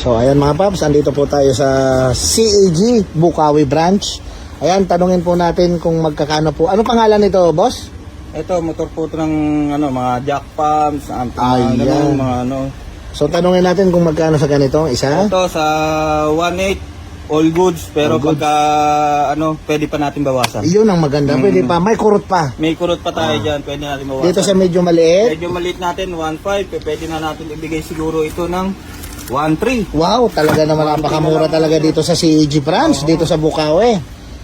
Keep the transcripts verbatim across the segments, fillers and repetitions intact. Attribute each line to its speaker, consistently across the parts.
Speaker 1: So ayan mga paps, andito po tayo sa C A G Bukawi branch. Ayan, tanungin po natin kung magkakano po. Ano pangalan nito, boss?
Speaker 2: Ito, motor po ito ng ano, mga jack pumps, mga
Speaker 1: Ayan.
Speaker 2: ganun, mga ano.
Speaker 1: So tanungin natin kung magkano sa ganito, isa?
Speaker 2: Ito sa one eight all goods, pero
Speaker 1: All goods.
Speaker 2: pagka ano, pwede pa natin bawasan.
Speaker 1: Iyon ang maganda,
Speaker 2: Mm.
Speaker 1: pwede pa, may kurot pa.
Speaker 2: May kurot pa tayo dyan, pwede natin bawasan.
Speaker 1: Dito sa medyo maliit.
Speaker 2: Medyo maliit natin, one five, pwede na natin ibigay siguro ito ng one three.
Speaker 1: Wow, talaga naman napakamura talaga dito sa C A G branch, dito sa Bukawi.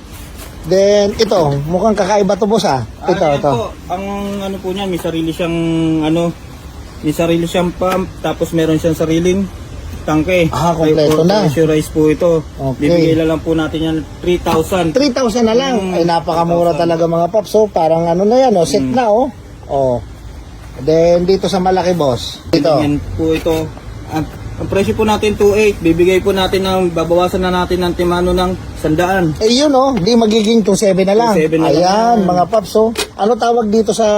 Speaker 1: Then ito, mukhang kakaiba to, boss ah. Ito,
Speaker 2: Ah, yan
Speaker 1: ito.
Speaker 2: po, ang ano po niya, may sarili siyang ano, may sarili siyang pump, tapos meron siyang sariling tangke.
Speaker 1: Ah, kompleto na.
Speaker 2: Pressurize po ito.
Speaker 1: Okay.
Speaker 2: Bibigay na lang po natin yan three thousand.
Speaker 1: three thousand na lang.
Speaker 2: Mm,
Speaker 1: Ay napakamura
Speaker 2: three thousand.
Speaker 1: talaga mga paps. So parang ano na yan, oh, set
Speaker 2: Mm.
Speaker 1: na oh. Oh. Then dito sa malaki, boss. Dito.
Speaker 2: Yan po ito. Ang, ang presyo po natin two eight. Bibigay po natin ng, babawasan na natin ng timano ng sandaan.
Speaker 1: Eh yun oh, di magiging two seven na lang.
Speaker 2: two seven na
Speaker 1: Ayan,
Speaker 2: lang.
Speaker 1: mga paps. So, ano tawag dito sa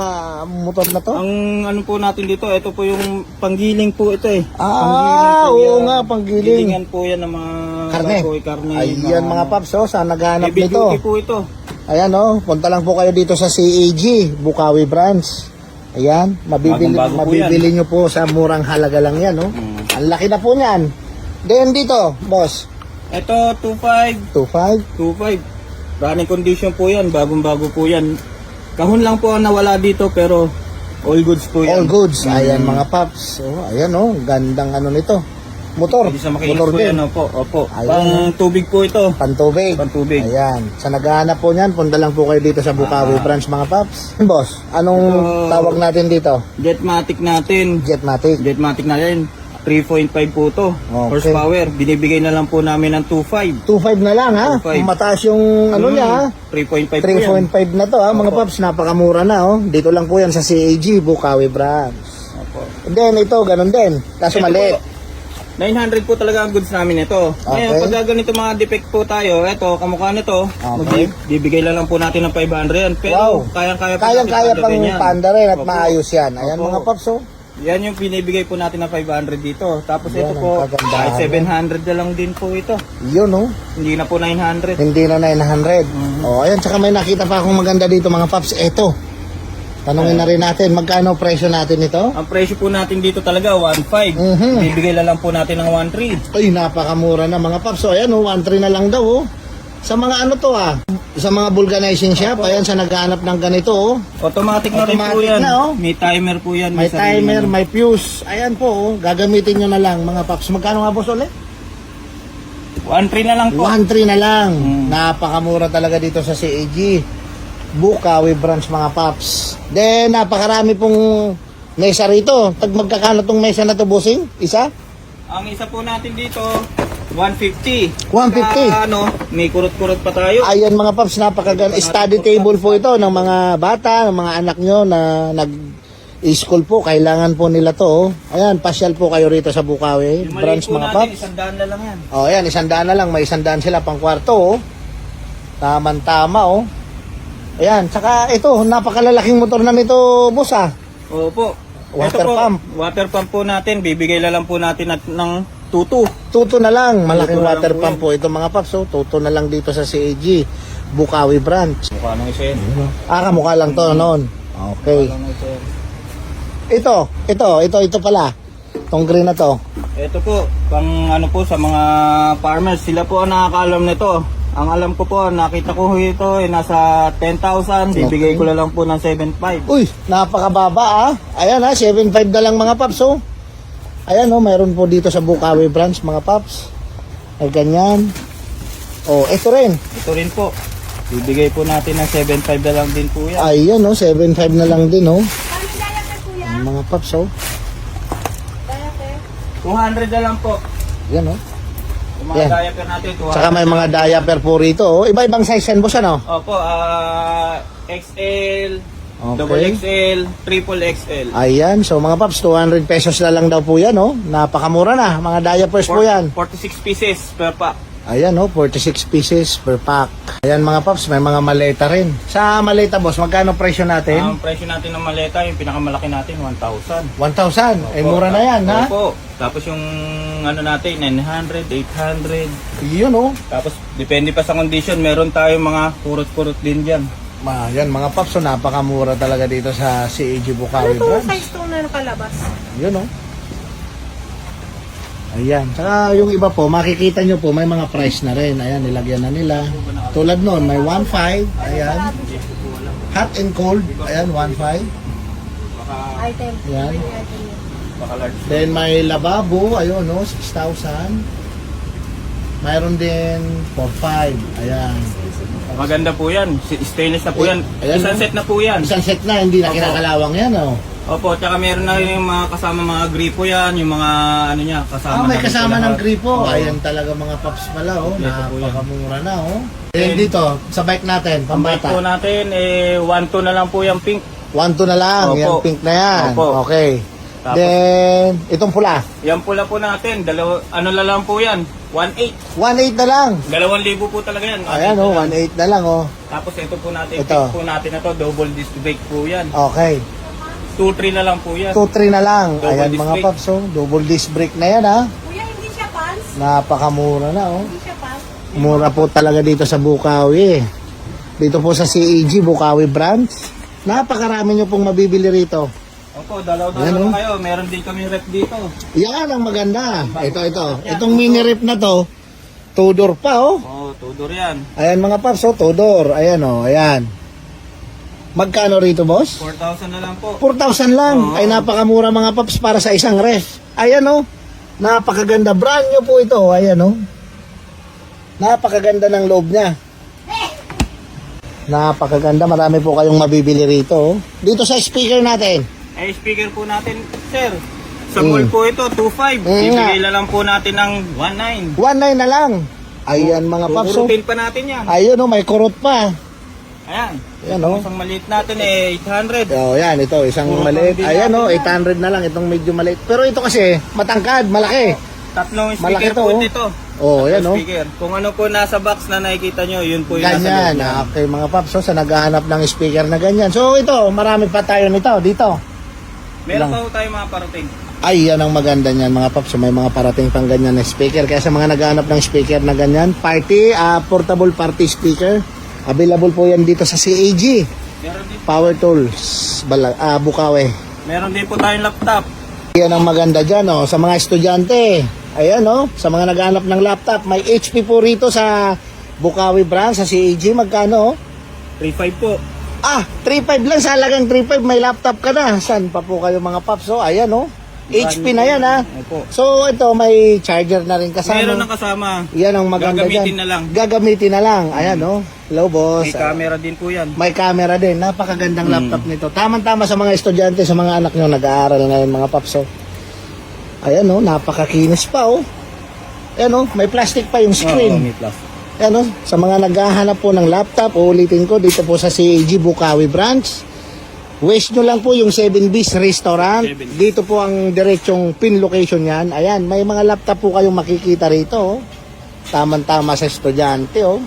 Speaker 1: motor na to?
Speaker 2: Ang ano po natin dito, ito po yung panggiling po ito eh.
Speaker 1: Ah,
Speaker 2: Panggiling po
Speaker 1: oo
Speaker 2: yan.
Speaker 1: nga, panggiling.
Speaker 2: Gilingan po yan ng mga
Speaker 1: Karne.
Speaker 2: baboy, karne.
Speaker 1: Ayan mga paps, oh, saan naghahanap
Speaker 2: Heavy
Speaker 1: nito?
Speaker 2: duty po ito.
Speaker 1: Ayan oh, punta lang po kayo dito sa C A G Bukawi branch. Ayan, mabibili,
Speaker 2: Bagong-bago po
Speaker 1: mabibili nyo po sa murang halaga lang yan, oh.
Speaker 2: Mm.
Speaker 1: Ang laki na po niyan. Then dito, boss,
Speaker 2: Ito two five.
Speaker 1: two five.
Speaker 2: two five. Running condition po yan, bagong-bago po yan. Kahon lang po ang nawala dito pero all goods po yan.
Speaker 1: All goods. Ayan
Speaker 2: Mm.
Speaker 1: mga paps. Oh, ayan oh, gandang ano nito. Motor.
Speaker 2: Pwede sa makinis
Speaker 1: Motor
Speaker 2: po
Speaker 1: din.
Speaker 2: yan, opo, opo.
Speaker 1: Ayan.
Speaker 2: Pang tubig po ito.
Speaker 1: Pantubig.
Speaker 2: Pantubig.
Speaker 1: Ayan. Sa naghahanap po niyan, punta lang po kayo dito sa Bukawi
Speaker 2: Ah.
Speaker 1: branch mga paps. Boss, anong
Speaker 2: Ito-
Speaker 1: tawag natin dito?
Speaker 2: Jetmatic natin.
Speaker 1: Jetmatic.
Speaker 2: Jetmatic natin. three point five po to.
Speaker 1: Okay.
Speaker 2: Horsepower. Binibigay na lang po namin ng two five.
Speaker 1: two five na lang ha.
Speaker 2: two five.
Speaker 1: Mataas yung ano niya ha.
Speaker 2: three point five po
Speaker 1: three
Speaker 2: yan.
Speaker 1: point five na to ha mga
Speaker 2: Opo.
Speaker 1: paps. Napakamura na oh. Dito lang po yan sa C A G Bukawi branch.
Speaker 2: Opo.
Speaker 1: And then ito, ganun din. Kaso
Speaker 2: Ito
Speaker 1: maliit.
Speaker 2: po, nine hundred po talaga ang goods namin ito. Ngayon,
Speaker 1: Okay.
Speaker 2: pag ganito mga defect po tayo, ito, kamukha nito,
Speaker 1: Okay.
Speaker 2: bibigay lang lang po natin ng five hundred yan. Pero
Speaker 1: Wow.
Speaker 2: kayang-kaya po
Speaker 1: Kayang-kaya
Speaker 2: natin
Speaker 1: pang
Speaker 2: pandarin yan.
Speaker 1: panda rin at
Speaker 2: Opo.
Speaker 1: maayos yan. Ayan
Speaker 2: Opo.
Speaker 1: mga paps oh.
Speaker 2: Yan yung binibigay po natin ng five hundred dito. Tapos
Speaker 1: Yan
Speaker 2: ito
Speaker 1: ang
Speaker 2: po,
Speaker 1: kagandahan
Speaker 2: kahit
Speaker 1: yan.
Speaker 2: seven hundred na lang din po ito.
Speaker 1: Yun oh.
Speaker 2: Hindi na po nine hundred.
Speaker 1: Hindi na nine hundred.
Speaker 2: Mhm.
Speaker 1: Oh, ayan. Tsaka may nakita pa akong maganda dito mga paps. Ito. Tanungin na rin natin, magkano presyo natin ito?
Speaker 2: Ang presyo po natin dito talaga, one five.
Speaker 1: Mhm.
Speaker 2: Bibigay na lang po natin ng one three.
Speaker 1: Ay, napakamura na mga paps. So, ayan oh, one three na lang daw oh. Sa mga ano to ah, sa mga vulcanizing shop, ayan sa naghahanap ng ganito oh.
Speaker 2: Automatic na rin po
Speaker 1: Automatic
Speaker 2: yan.
Speaker 1: na, oh.
Speaker 2: May timer po yan.
Speaker 1: May
Speaker 2: sarili
Speaker 1: timer,
Speaker 2: na.
Speaker 1: may fuse. Ayan po oh, gagamitin nyo na lang mga paps. Magkano nga boss ulit?
Speaker 2: one three na lang po.
Speaker 1: one three na lang.
Speaker 2: Mm.
Speaker 1: Napakamura talaga dito sa C A G Bukawi branch mga paps. Then napakarami pong mesa rito. Tag magkakano tong mesa na to, bossing? Isa?
Speaker 2: Ang isa po natin dito, one fifty.
Speaker 1: one fifty.
Speaker 2: Saka, ano, may kurot-kurot pa tayo.
Speaker 1: Ayan mga paps, napakagan study table po ito ng mga bata, ng mga anak nyo na nag school po, kailangan po nila to. Oh. Ayan, pasyal po kayo rito sa Bukawi
Speaker 2: Yung maliit
Speaker 1: branch
Speaker 2: po
Speaker 1: mga
Speaker 2: natin,
Speaker 1: paps.
Speaker 2: isang daan na lang yan.
Speaker 1: Oh, ayan, isang daan na lang, may isang daan sila pang kwarto oh. Taman-tama oh. Ayan, saka ito, napakalalaking motor na nito, boss ah.
Speaker 2: Opo.
Speaker 1: Water
Speaker 2: Ito po,
Speaker 1: pump.
Speaker 2: Water pump po natin, bibigay na lang po natin at, ng tutu.
Speaker 1: Tuto na lang, malaking
Speaker 2: Tuto na
Speaker 1: water
Speaker 2: lang po
Speaker 1: pump po ito mga paps oh. Tuto na lang dito sa C A G Bukawi branch.
Speaker 2: Mukha nang isa yan.
Speaker 1: Ah, kamukha lang to noon. Okay.
Speaker 2: Mukha nang isa yan.
Speaker 1: Ito, ito, ito, ito pala. Tong green na to.
Speaker 2: Ito po, pang ano po sa mga farmers, sila po ang nakakaalam nito. Ang alam ko po, nakita ko ito, eh, nasa ten thousand, bibigay
Speaker 1: Okay.
Speaker 2: ko na lang po ng seven five.
Speaker 1: Uy, napakababa ah. Ayan ha, seven five na lang mga paps oh. Ayan oh, mayroon po dito sa Bukawi branch mga paps. Ay ganyan. Oh, ito rin.
Speaker 2: Ito rin po, bibigay po natin ng seven five na lang din po yan.
Speaker 1: Ayan oh, seven five na lang din oh. Ang mga paps oh.
Speaker 2: two hundred na lang po.
Speaker 1: Yan oh.
Speaker 2: Yung mga
Speaker 1: Yan.
Speaker 2: diaper natin, two hundred.
Speaker 1: Saka may mga diaper po rito oh. Iba-ibang size yan boss ano?
Speaker 2: Opo, ah, X L,
Speaker 1: Okay.
Speaker 2: double X L, triple X L.
Speaker 1: Ayan, so mga paps, two hundred pesos na lang daw po yan oh. Napakamura na, mga diapers po yan.
Speaker 2: forty-six pieces per pack.
Speaker 1: Ayan oh, forty-six pieces per pack. Ayan mga paps, may mga maleta rin. Sa maleta boss, magkano presyo natin?
Speaker 2: Ang presyo natin ng maleta, yung pinakamalaki natin, one thousand.
Speaker 1: one thousand. Eh, mura na yan, ha?
Speaker 2: Opo. Tapos yung ano natin, nine hundred, eight hundred.
Speaker 1: Yun oh.
Speaker 2: Tapos depende pa sa condition, meron tayong mga kurot-kurot din dyan.
Speaker 1: Ma, yan mga paps, so napakamura talaga dito sa C A G
Speaker 3: Ano
Speaker 1: Bukawi
Speaker 3: itong
Speaker 1: branch.
Speaker 3: size to na nakalabas?
Speaker 1: Yun oh. Ayan. Saka yung iba po, makikita nyo po, may mga price na rin. Ayan, nilagyan na nila. Tulad nun, may one point five. Ayan. Hot and cold. Ayan, one point five.
Speaker 2: Baka,
Speaker 3: Item.
Speaker 1: Yan.
Speaker 3: May item yun.
Speaker 2: baka large.
Speaker 1: Then may lababo. Ayun, no, six thousand. Mayroon din four point five. Ayan.
Speaker 2: Maganda po yan. Si- Stainless na po
Speaker 1: Eh,
Speaker 2: yan.
Speaker 1: ayan,
Speaker 2: Isang
Speaker 1: no?
Speaker 2: set na po yan.
Speaker 1: Isang set na, hindi na
Speaker 2: Opo.
Speaker 1: kinakalawang yan, oh.
Speaker 2: Opo, tsaka meron na rin yung mga kasama mga gripo yan, yung mga ano niya, kasama.
Speaker 1: Ah, may
Speaker 2: na rin
Speaker 1: kasama
Speaker 2: po
Speaker 1: ng
Speaker 2: lahat.
Speaker 1: gripo.
Speaker 2: Oo.
Speaker 1: Ayan talaga mga paps pala, oh.
Speaker 2: Kompleto po yan.
Speaker 1: Napakamura na, oh. Then dito, sa bike natin,
Speaker 2: Ang bike po
Speaker 1: pambata.
Speaker 2: natin, eh, one two na lang po yung pink.
Speaker 1: one two na lang,
Speaker 2: Opo.
Speaker 1: yan pink na yan.
Speaker 2: Opo.
Speaker 1: Okay.
Speaker 2: Tapos-
Speaker 1: Then, itong pula.
Speaker 2: Yan pula po natin, dalawa, ano na lang po yan, one eight.
Speaker 1: one eight na lang.
Speaker 2: Dalawang libo po talaga yan.
Speaker 1: Ayan, oh, one eight na lang, oh.
Speaker 2: Tapos ito po natin,
Speaker 1: Ito.
Speaker 2: pink po natin na to, double disc brake po yan.
Speaker 1: Okay.
Speaker 2: two three na lang po yan.
Speaker 1: two three na lang.
Speaker 2: Double
Speaker 1: Ayan
Speaker 2: disc
Speaker 1: mga
Speaker 2: brake.
Speaker 1: paps, oh. Double disc brake na yan, ha.
Speaker 3: Kuya, hindi siya pants?
Speaker 1: Napakamura na, oh.
Speaker 3: Hindi siya pants?
Speaker 1: Mura po talaga dito sa Bukawi. Dito po sa C A G, Bukawi branch. Napakarami nyo pong mabibili rito.
Speaker 2: Opo,
Speaker 1: Ayan,
Speaker 2: dalaw-dalaw
Speaker 1: oh.
Speaker 2: kayo. Meron din kami rep dito.
Speaker 1: Yan ang maganda. Ito, ito. Itong mini rip na to, two-door pa, oh.
Speaker 2: Oh, Tudor yan.
Speaker 1: Ayan mga paps, oh, two-door. Ayan, oh, ayan. Magkano rito, boss?
Speaker 2: four thousand na lang po.
Speaker 1: four thousand lang.
Speaker 2: Oo.
Speaker 1: Ay, napakamura mga paps para sa isang ref. Ayan, oh. Napakaganda. Brand new po ito. Ayan, oh. Napakaganda ng loob niya. Napakaganda. Marami po kayong mabibili rito, oh. Dito sa speaker natin.
Speaker 2: Eh, speaker po natin, sir. Sa
Speaker 1: Mm.
Speaker 2: mall po ito, two five.
Speaker 1: Mm,
Speaker 2: Ibigay na lang po natin ng one nine.
Speaker 1: one nine na lang. Ayan mga paps, oh.
Speaker 2: Kukurutin pa natin yan.
Speaker 1: Ayun, oh. May kurot pa.
Speaker 2: Ayan.
Speaker 1: Ayan, oh.
Speaker 2: Isang maliit natin eh, eight hundred.
Speaker 1: Oh, yan, ito, isang
Speaker 2: Puro
Speaker 1: maliit.
Speaker 2: pambili
Speaker 1: Ayan,
Speaker 2: natin
Speaker 1: oh,
Speaker 2: yan.
Speaker 1: eight hundred na lang. Itong medyo maliit. Pero ito kasi, matangkad, malaki.
Speaker 2: Tatlong
Speaker 1: Malaki
Speaker 2: speaker
Speaker 1: to,
Speaker 2: po
Speaker 1: oh.
Speaker 2: dito.
Speaker 1: Oh,
Speaker 2: Tatlong
Speaker 1: yan, oh.
Speaker 2: speaker. Kung ano po nasa box na nakikita nyo, yun po yung nasa
Speaker 1: Ganyan.
Speaker 2: loob niya.
Speaker 1: Ah, okay, mga paps, so, sa naghahanap ng speaker na ganyan. So, ito, marami pa tayo nito, dito.
Speaker 2: Meron
Speaker 1: lang.
Speaker 2: pa po tayo mga parating.
Speaker 1: Ay, yan ang maganda niyan, mga paps. So, may mga parating pang ganyan na speaker. Kaya sa mga naghahanap ng speaker na ganyan, party, ah, portable party speaker, available po yan dito sa C A G.
Speaker 2: Meron din,
Speaker 1: Power Tools, Bala, ah, Bukawi.
Speaker 2: meron din po tayong laptop.
Speaker 1: Yan ang maganda dyan, oh, sa mga estudyante. Ayan, oh, sa mga naghahanap ng laptop, may H P po rito sa Bukawi branch, sa C A G. Magkano, oh?
Speaker 2: three five po.
Speaker 1: Ah, three five lang, sa halagang three five, may laptop ka na. Saan pa po kayo mga paps, oh? Ayan, oh. H P na yan, ha.
Speaker 2: Opo.
Speaker 1: So, ito, may charger na rin kasama.
Speaker 2: Meron na kasama.
Speaker 1: Yan ang maganda
Speaker 2: Gagamitin
Speaker 1: dyan.
Speaker 2: na lang.
Speaker 1: Gagamitin na lang. Ayan, oh. Hello, boss.
Speaker 2: May camera din po yan.
Speaker 1: May camera din. Napakagandang
Speaker 2: Hmm.
Speaker 1: laptop nito. Tamang-tama sa mga estudyante, sa mga anak nyo nag-aaral ngayon, mga paps, oh. Ayan, oh. Napakakinis pa, oh. Ayan, oh. May plastic pa yung
Speaker 2: Oo,
Speaker 1: screen.
Speaker 2: may plus.
Speaker 1: Ayan, oh. Sa mga naghahanap po ng laptop, uulitin ko, dito po sa C A G Bukawi branch. West nyo lang po yung seven B's Restaurant.
Speaker 2: seven B's.
Speaker 1: Dito po ang diretsong pin location yan. Ayan, may mga laptop po kayong makikita rito, oh. Tamang-tama sa estudyante, oh.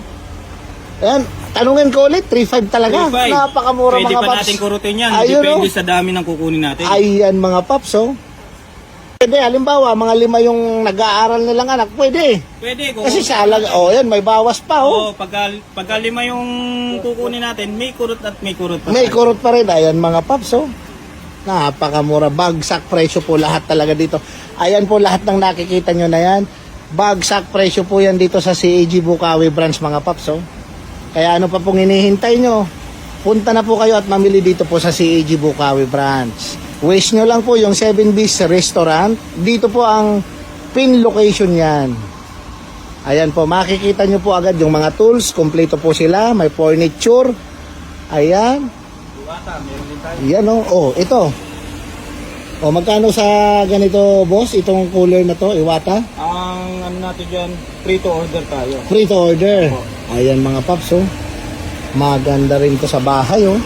Speaker 1: Ayan, tanungin ko ulit, three five talaga.
Speaker 2: three five.
Speaker 1: Napakamura
Speaker 2: Pwede
Speaker 1: mga
Speaker 2: pa
Speaker 1: paps.
Speaker 2: natin kurutin yan.
Speaker 1: Ayun,
Speaker 2: Depende
Speaker 1: oh.
Speaker 2: sa dami ng kukunin natin.
Speaker 1: Ayan mga paps, oh. Pwede, halimbawa, mga lima yung nag-aaral nilang anak, pwede.
Speaker 2: Pwede. Kung,
Speaker 1: Kasi sa alaga, oh, yan, may bawas pa, oh.
Speaker 2: Oo, pagka, pagka lima yung kukunin natin, may kurot at may kurot pa.
Speaker 1: May
Speaker 2: tayo.
Speaker 1: kurot pa rin. Ayan mga paps, oh. Napakamura. Bagsak presyo po lahat talaga dito. Ayan po lahat ng nakikita nyo na yan. Bagsak presyo po yan dito sa C A G Bukawi branch mga paps, oh. Kaya ano pa pong hinihintay nyo? Punta na po kayo at mamili dito po sa C A G Bukawi branch. Wish nyo lang po yung seven B's Restaurant. Dito po ang pin location yan. Ayan po, makikita nyo po agad yung mga tools. Kompleto po sila. May furniture. Ayan.
Speaker 2: Iwata, meron din tayo.
Speaker 1: Yan o. Oh, ito. O, magkano sa ganito, boss? Itong cooler na to, Iwata?
Speaker 2: Ang ano natin dyan, free to order tayo.
Speaker 1: Free to order.
Speaker 2: Opo.
Speaker 1: Ayan mga paps, oh. Maganda rin to sa bahay, oh.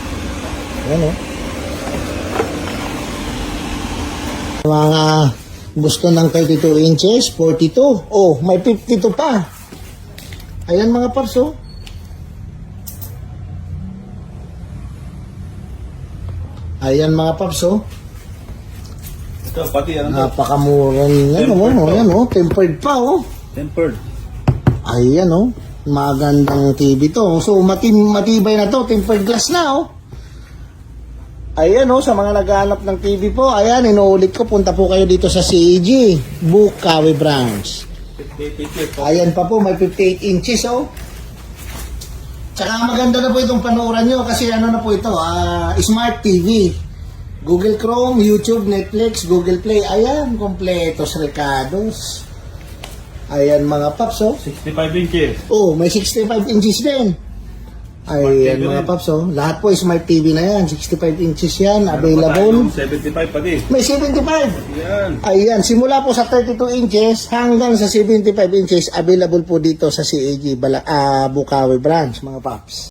Speaker 1: Ayan, oh. Mga Gusto ng thirty-two inches, forty-two. Oh, may fifty-two pa. Ayan mga paps, oh. Ayan mga paps, oh.
Speaker 2: Ito, pati ano to?
Speaker 1: Napakamura niya. Ano,
Speaker 2: Tempered
Speaker 1: oh,
Speaker 2: pa.
Speaker 1: ayan, oh. Tempered pa, oh.
Speaker 2: Tempered.
Speaker 1: Ayan, oh. Magandang T V to. So, mati matibay na to. Tempered glass na, oh. Ayan, oh. Sa mga naghahanap ng T V po, ayan, inuulit ko. Punta po kayo dito sa C A G. Bukawi branch.
Speaker 2: fifty-eight inches.
Speaker 1: Ayan pa po, may fifty-eight inches, oh. Tsaka maganda na po itong panuoran nyo kasi ano na po ito, ah, Smart T V. Google Chrome, YouTube, Netflix, Google Play. Ayan, kompletos recados. Ayan mga paps, oh.
Speaker 2: sixty-five inches.
Speaker 1: Oh, may sixty-five inches din. Ayan
Speaker 2: T V
Speaker 1: mga
Speaker 2: rin.
Speaker 1: paps, oh. Lahat po Smart T V na yan. sixty-five inches yan,
Speaker 2: Meron pa
Speaker 1: available.
Speaker 2: tayong seventy-five pati.
Speaker 1: May seventy-five.
Speaker 2: Yan.
Speaker 1: Ayan, simula po sa thirty-two inches hanggang sa seventy-five inches, available po dito sa C A G Bala, ah, Bukawi branch, mga paps.